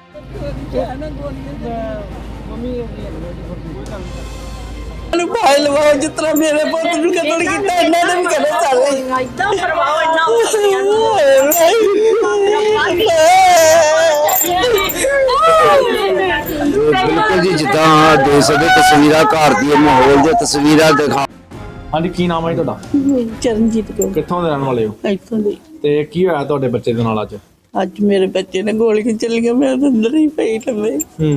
भाई लवाओ जितना मेरे पुत ਨੂੰ ਕਤਲ ਕੀਤਾ ਇਹਨਾਂ ਨੇ ਵੀ ਕਦੇ ਚੱਲੇ ਇਦਾਂ ਪਰਵਾਹ ਇੰਨਾ ਬਿਲਕੁਲ ਜੀ ਜਿੱਦਾਂ ਦੇਖ ਸਕਦੇ ਤਸਵੀਰਾਂ ਘਰ ਦੀ ਮਾਹੌਲ ਦੀਆਂ ਤਸਵੀਰਾਂ ਦਿਖਾ। ਹਾਂਜੀ ਕੀ ਨਾਮ ਹੈ ਤੁਹਾਡਾ? ਚਰਨਜੀਤ ਕੌਰ। ਕਿੱਥੋਂ ਦੇ ਰਹਿਣ ਵਾਲੇ ਹੋ? ਇੱਥੋਂ ਦੀ। ਤੇ ਕੀ ਹੋਇਆ ਤੁਹਾਡੇ ਬੱਚੇ ਦੇ ਨਾਲ ਅੱਜ? ਅੱਜ ਮੇਰੇ ਬੱਚੇ ਨੇ ਗੋਲੀਆਂ ਚੱਲੀਆਂ, ਮੈਂ ਅੰਦਰ ਹੀ ਪਈ ਲੰਮੇ।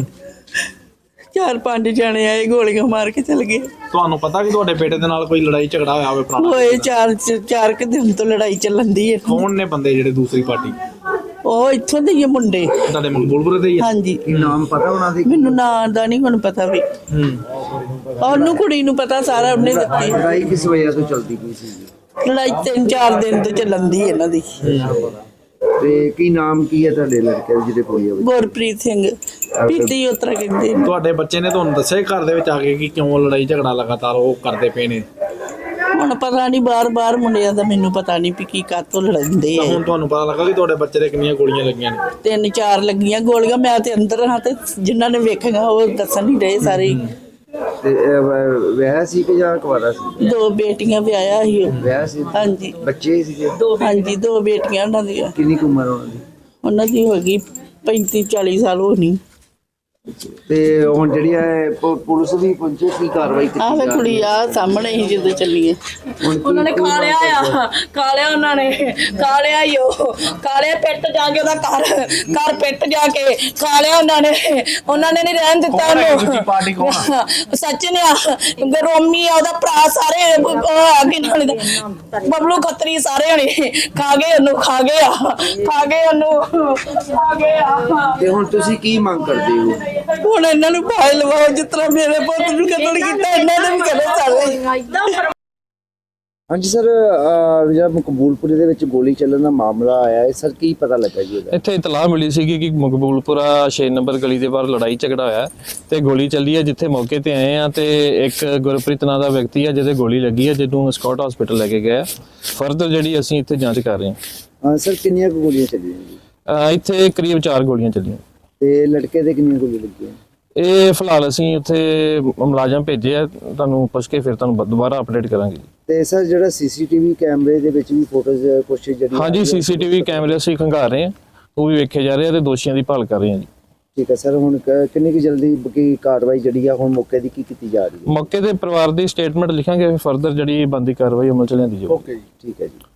4-5 ਜਣੇ ਆਏ, ਗੋਲੀਆਂ ਮਾਰ ਕੇ ਚਲ ਗਏ। ਤੁਹਾਨੂੰ ਪਤਾ ਕਿ ਤੁਹਾਡੇ ਬੇਟੇ ਦੇ ਨਾਲ ਕੋਈ ਲੜਾਈ ਝਗੜਾ ਹੋਇਆ ਹੋਵੇ ਪੁਰਾਣਾ? ਹੋਏ 4 ਕੁ ਦਿਨ ਤੋਂ ਲੜਾਈ ਚੱਲਣ ਦੀ ਹੈ। ਕੌਣ ਨੇ ਬੰਦੇ ਜਿਹੜੇ ਦੂਸਰੀ ਪਾਰਟੀ? ਉਹ ਇੱਥੋਂ ਦੇ ਹੀ ਮੁੰਡੇ, ਤੁਹਾਡੇ ਮਕਬੂਲਪੁਰ ਦੇ ਹੀ ਆ? ਹਾਂਜੀ। ਕੀ ਨਾਮ ਪਤਾ ਉਹਨਾਂ ਦੀ? ਮੈਨੂੰ ਨਾਂ ਦਾ ਨਹੀਂ ਹੁਣ ਪਤਾ ਵੀ। ਉਹਨੂੰ ਕੁੜੀ ਨੂੰ ਪਤਾ ਸਾਰਾ, ਉਹਨੇ ਦਿੱਤੀ। ਲੜਾਈ ਕਿਸ ਵਜ੍ਹਾ ਤੋਂ ਚੱਲਦੀ ਪਈ ਸੀ? ਲੜਾਈ 3-4 ਦਿਨ ਤੋਂ ਚੱਲਣ ਦੀ ਇਹਨਾਂ ਦੀ। ਤੇ ਕੀ ਨਾਮ ਕੀ ਹੈ ਤੁਹਾਡੇ ਲੜਕੇ ਜਿਹਦੇ ਕੋਲ ਹੋਈ? ਗੁਰਪ੍ਰੀਤ ਸਿੰਘ। ਪੀਤੀ ਉਤਰਾ ਕਹਿੰਦੇ। ਤੁਹਾਡੇ ਬੱਚੇ ਨੇ ਤੁਹਾਨੂੰ ਦੱਸਿਆ ਘਰ ਦੇ ਵਿੱਚ ਆ ਕੇ ਕਿ ਕਿਉਂ ਲੜਾਈ ਝਗੜਾ ਲਗਾਤਾਰ ਉਹ ਕਰਦੇ ਪਏ ਨੇ? ਹੁਣ ਪਤਾ ਨਹੀਂ, ਬਾਰ-ਬਾਰ ਮੁੰਡਿਆਂ ਦਾ ਮੈਨੂੰ ਪਤਾ ਨਹੀਂ ਵੀ ਕੀ ਕਾਤੋਂ ਲੜਦੇ ਆ। ਹੁਣ ਤੁਹਾਨੂੰ ਪਤਾ ਲੱਗਾ ਕਿ ਤੁਹਾਡੇ ਬੱਚੇ ਦੇ ਕਿੰਨੀਆਂ ਗੋਲੀਆਂ ਲੱਗੀਆਂ ਨੇ? 3-4 ਲੱਗੀਆਂ ਗੋਲੀਆਂ। ਮੈਂ ਤੇ ਅੰਦਰ ਹਾਂ ਤੇ ਜਿਨ੍ਹਾਂ ਨੇ ਵੇਖੀਆਂ ਉਹ ਦੱਸਣ ਨਹੀਂ ਰਹੇ ਸਾਰੇ। ਤੇ ਵਿਆਹ ਸੀ ਕਿ ਜਾਂ ਕੁਆਰਾ ਸੀ? 2 ਬੇਟੀਆਂ ਵਿਆਹਿਆ ਸੀ ਉਹ। ਵਿਆਹ ਸੀ? ਹਾਂਜੀ। ਬੱਚੇ ਸੀਗੇ? ਹਾਂਜੀ, 2 ਬੇਟੀਆਂ ਉਹਨਾਂ ਦੀਆਂ। ਕਿੰਨੀ ਕੁ ਉਮਰ ਉਹਨਾਂ ਦੀ? ਉਹਨਾਂ ਦੀ ਹੋ ਗਈ 35-40 ਸਾਲ ਹੋਣੀ। ਤੇ ਹੁਣ ਜਿਹੜੀ ਹੈ ਪੁਲਿਸ ਵੀ ਪਹੁੰਚੇ ਸੀ, ਕਾਰਵਾਈ ਕੀਤੀ ਆਹ ਵੇ ਕੁੜੀ ਆ ਸਾਹਮਣੇ ਹੀ ਜਦੋਂ ਚੱਲੀਏ। ਉਹਨਾਂ ਨੇ ਖਾ ਲਿਆ ਉਹਨਾਂ ਨੇ ਖਾ ਲਿਆ ਹੀ। ਉਹ ਕਾਲੇ ਪਿੱਟ ਜਾ ਕੇ ਉਹਦਾ ਘਰ ਪਿੱਟ ਜਾ ਕੇ ਖਾ ਲਿਆ ਉਹਨਾਂ ਨੇ ਨਹੀਂ ਰਹਿਣ ਦਿੱਤਾ ਉਹਨੂੰ। ਪਾਰਟੀ ਕੌਣ ਆ? ਸੱਚਨ ਆ, ਰੋਮੀ ਆ, ਉਹਦਾ ਭਰਾ, ਸਾਰੇ ਅੱਗੇ ਨਾਲ ਬਬਲੂ ਖੱਤਰੀ, ਸਾਰੇ ਹਣੇ ਖਾ ਗਏ ਉਹਨੂੰ। ਤੇ ਹੁਣ ਤੁਸੀਂ ਕੀ ਮੰਗ ਕਰਦੇ ਹੋ? ਹੁਣ ਇਹਨਾਂ ਨੂੰ ਭਾਈ ਲਵਾਓ ਜਿਤਨਾ ਮੇਰੇ ਪੁੱਤ ਨੂੰ ਕਤਲ ਕੀਤਾ ਇਹਨਾਂ ਨੇ ਵੀ ਕਦੇ ਚੱਲੇ। ਹਾਂਜੀ ਸਰ, ਜਿਹੜਾ ਮਕਬੂਲਪੁਰੇ ਦੇ ਵਿੱਚ ਗੋਲੀ ਚੱਲਣ ਦਾ ਮਾਮਲਾ ਆਇਆ ਹੈ ਸਰ, ਕੀ ਪਤਾ ਲੱਗਾ ਜੀ ਉਹਦਾ? ਇੱਥੇ ਇਤਲਾਹ ਮਿਲੀ ਸੀ ਕਿ ਮਕਬੂਲਪੁਰਾ 6 ਨੰਬਰ ਗਲੀ ਦੇ ਬਾਹਰ ਲੜਾਈ ਝਗੜਾ ਹੋਇਆ ਤੇ ਗੋਲੀ ਚੱਲੀ ਹੈ। ਜਿੱਥੇ ਮੌਕੇ ਤੇ ਆਏ ਆ ਤੇ ਇੱਕ ਗੁਰਪ੍ਰੀਤ ਨਾਂ ਦਾ ਵਿਅਕਤੀ ਹੈ ਜਿਹਦੇ ਗੋਲੀ ਲੱਗੀ ਹੈ, ਜਿਹਨੂੰ ਸਕਾਟ ਹਸਪੀਟਲ ਲੈ ਕੇ ਗਏ। ਫਰਦਰ ਜਿਹੜੀ ਅਸੀਂ ਇੱਥੇ ਜਾਂਚ ਕਰ ਰਹੇ ਹਾਂ। ਸਰ ਕਿੰਨੀਆਂ ਗੋਲੀਆਂ ਚੱਲੀਆਂ ਜੀ? ਇੱਥੇ ਕਰੀਬ 4 ਗੋਲੀਆਂ ਚੱਲੀਆਂ। ਤੇ ਲੜਕੇ ਦੇ ਕਿੰਨੀਆਂ ਗੋਲੀਆਂ ਲੱਗੀਆਂ? ਇਹ ਫਿਲਹਾਲ ਅਸੀਂ ਉੱਥੇ ਮੁਲਾਜ਼ਮ ਭੇਜੇ ਆ, ਤੁਹਾਨੂੰ ਪੁੱਛ ਕੇ ਫਿਰ ਤੁਹਾਨੂੰ ਦੁਬਾਰਾ ਅਪਡੇਟ ਕਰਾਂਗੇ। ਤੇ ਸਰ ਜਿਹੜਾ ਸੀਸੀਟੀਵੀ ਕੈਮਰੇ ਦੇ ਵਿੱਚ ਵੀ ਫੋਟੋਜ਼ ਕੁਛ ਜਿਹੜੀ? ਹਾਂਜੀ, ਸੀਸੀਟੀਵੀ ਕੈਮਰੇ ਅਸੀਂ ਖੰਗਾਰ ਰਹੇ ਹਾਂ, ਉਹ ਵੀ ਵੇਖੇ ਜਾ ਰਹੇ ਆ ਤੇ ਦੋਸ਼ੀਆਂ ਦੀ ਭਾਲ ਕਰ ਰਹੇ ਹਾਂ ਜੀ। ਠੀਕ ਹੈ ਸਰ, ਹੁਣ ਕਿੰਨੀ ਕੁ ਜਲਦੀ ਕੀ ਕਾਰਵਾਈ ਜਿਹੜੀ ਆ ਹੁਣ ਮੌਕੇ ਦੀ ਕੀ ਕੀਤੀ ਜਾ ਰਹੀ ਹੈ? ਮੌਕੇ ਤੇ ਪਰਿਵਾਰ ਦੀ ਸਟੇਟਮੈਂਟ ਲਿਖਾਂਗੇ, ਫਰਦਰ ਜਿਹੜੀ ਬਣਦੀ ਕਾਰਵਾਈ ਅਮਲ ਚ ਲਿਆਂਦੀ ਜਾਊਗੀ। ਓਕੇ ਜੀ, ਠੀਕ ਹੈ ਜੀ।